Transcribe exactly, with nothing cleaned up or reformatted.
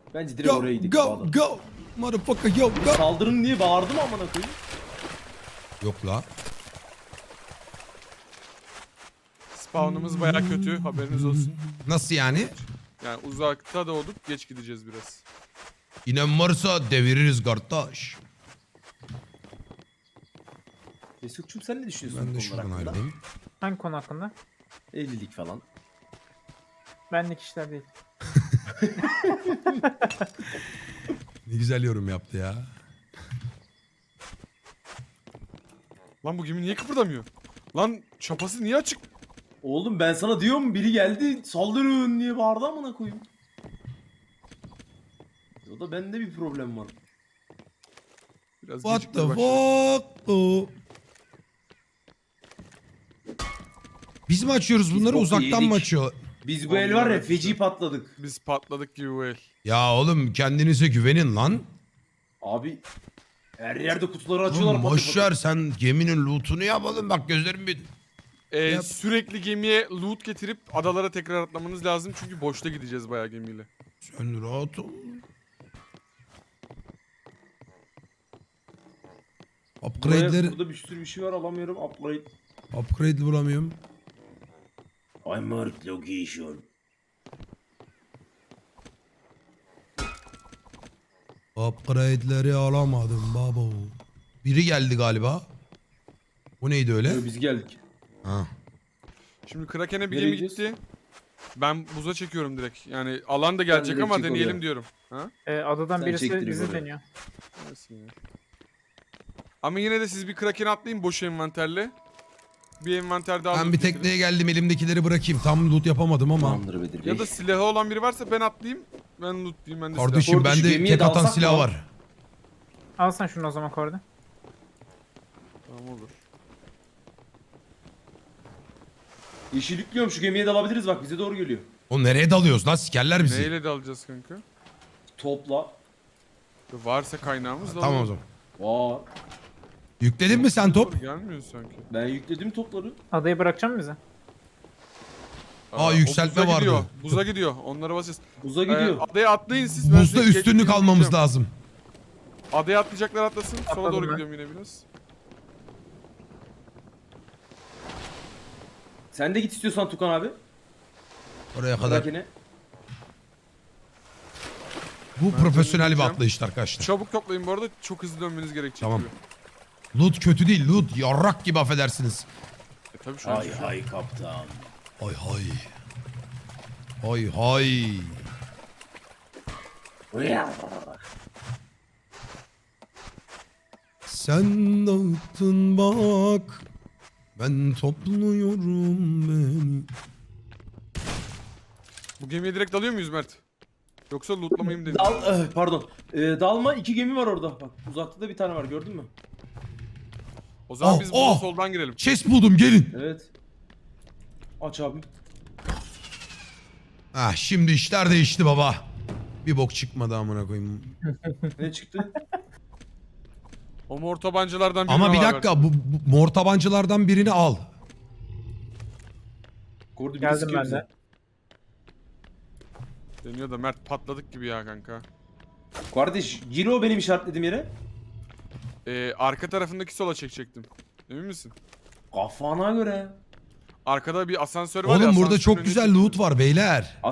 Bence direkt Go oraya gidelim. go go. Motherfucker yo go. Saldırın diye bağırdım amına koyayım. Yok la. Spawn'ımız baya kötü, haberiniz olsun. Nasıl yani? Yani uzakta da olduk, geç gideceğiz biraz. İnen varsa deviririz kardeş. Mesut'cum sen ne düşünüyorsun Ben de bu konular şuradan hakkında? ayrılayım. Hangi konu hakkında? Evlilik falan. Benlik işler değil. Ne güzel yorum yaptı ya. Lan bu gemi niye kıpırdamıyor? Lan çapası niye açık? Oğlum ben sana diyorum biri geldi saldırın diye bağırdı amına koyayım. O da bende bir problem var. Biraz What gecikmeye the başladık. fuck? though? Biz mi açıyoruz bunları boku uzaktan mı yedik. açıyor? Biz bu el var ya Vallahi feci işte. patladık. Biz patladık gibi bu el. Ya oğlum kendinize güvenin lan. Abi her yerde kutuları açıyorlar. Oğlum patır boşver sen geminin lootunu yapalım bak gözlerim bir... Ee, Yap. sürekli gemiye loot getirip adalara tekrar atlamanız lazım çünkü boşta gideceğiz bayağı gemiyle. Sen rahat ol. Buraya, Upgrade'leri... burada bir sürü bir şey var alamıyorum. Upgrade. Upgrade bulamıyorum. I marked location. Upgrade'leri alamadım baba. Biri geldi galiba. Bu neydi öyle? Ee, Biz geldik. Ha. Şimdi Kraken'e bir Nereye gemi gidiyoruz? gitti. Ben buza çekiyorum direkt. Yani alan da gelecek direkt ama çek deneyelim oraya. diyorum. Ha? Ee, adadan Sen birisi çektir bizi oraya. deniyor. Nasıl ya? Ama yine de siz bir Kraken'e atlayın boş envanterle. Bir envanter daha Ben loot bir getirin. tekneye geldim elimdekileri bırakayım. Tam loot yapamadım ama. Tamamdır Bedir Bey. Ya da silahı olan biri varsa ben atlayayım. Ben lootlayayım ben de silah. Kardeşim Orada şu bende gemiye tek atan dalsak silah mı? var. Al sen şunu o zaman korda. Tamam olur. Yeşillikliyorum şu gemiye dalabiliriz bak bize doğru geliyor. O nereye dalıyoruz lan sikerler bizi. Neyle de alacağız kanka? Topla. Varsa kaynağımız da Tamam o alalım. zaman. Vaa. Yükledin mi sen top? Gelmiyor sanki. Ben yükledim topları. Adayı bırakacak mısın bize? Aa, o yükseltme buza vardı. Gidiyor. Buza gidiyor. Onlara basacağız. Buza Ee, gidiyor. adaya atlayın siz. ben Buzda size üstünlük geçtiğimi almamız diyeceğim. lazım. Adaya atlayacaklar atlasın. Sola Atladım doğru ben. gidiyorum yine biraz. Sen de git istiyorsan Tukan abi. Oraya kadar. Kraken'e. Bu profesyonel bir döneceğim. atlayıştı arkadaşlar. Çabuk toplayın bu arada. Çok hızlı dönmeniz gerekecek Tamam. gibi. Loot kötü değil loot. Yarrak gibi affedersiniz. E tabii şu an. Hay hay kaptan. Hay hay. Hay hay. Sen dağıttın bak. Ben topluyorum beni. Bu gemiye direkt dalıyor muyuz Mert? Yoksa lootlamayayım dedim. Dal, eh, pardon. Ee, dalma iki gemi var orada. Bak uzakta da bir tane var gördün mü? O zaman Oh, biz burada oh! soldan girelim. Chest buldum gelin. Evet. Aç abi. Ah şimdi işler değişti baba. Bir bok çıkmadı amına koyayım. Ne çıktı? O mor tabancalardan birini Ama bir al dakika bu, bu mor tabancalardan birini al. Kordu bir Geldim sıkıyor ben bize. de. Deniyor da Mert patladık gibi ya kanka. Kardeş gir o benim işaretlediğim yere. Ee, arka tarafındaki sola çekecektim. Emin misin? Kafana göre. Arkada bir asansör var ya. Oğlum burada asansörün çok önüne güzel çektim. loot var beyler.